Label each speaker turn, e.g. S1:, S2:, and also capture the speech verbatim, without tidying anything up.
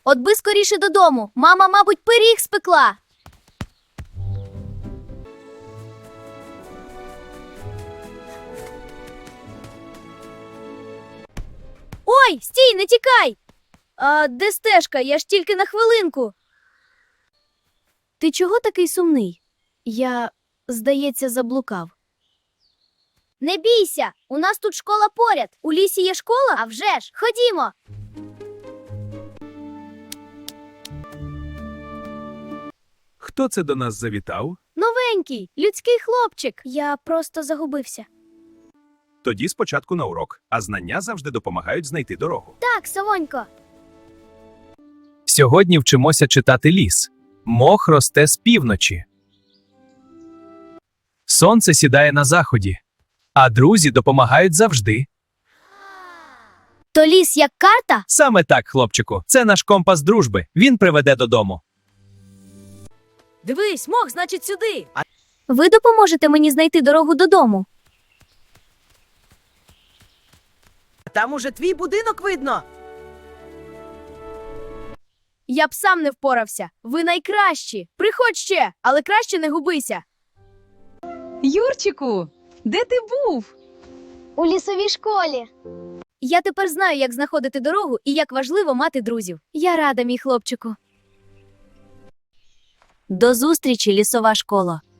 S1: От би скоріше додому. Мама, мабуть, пиріг спекла. Ой, стій, не тікай! А де стежка? Я ж тільки на хвилинку. Ти чого такий сумний? Я, здається, заблукав. Не бійся, у нас тут школа поряд. У лісі є школа? А вже ж, ходімо.
S2: Хто це до нас завітав?
S1: Новенький, людський хлопчик. Я просто загубився.
S2: Тоді спочатку на урок, а знання завжди допомагають знайти дорогу.
S1: Так, Совонько.
S3: Сьогодні вчимося читати ліс. Мох росте з півночі. Сонце сідає на заході, а друзі допомагають завжди.
S1: То ліс як карта?
S3: Саме так, хлопчику, це наш компас дружби. Він приведе додому.
S4: Дивись, мох, значить, сюди.
S1: Ви допоможете мені знайти дорогу додому?
S4: Там уже твій будинок видно.
S1: Я б сам не впорався. Ви найкращі. Приходь ще, але краще не губися.
S5: Юрчику, де ти був?
S1: У лісовій школі. Я тепер знаю, як знаходити дорогу і як важливо мати друзів. Я рада, мій хлопчику. До зустрічі, лісова школа.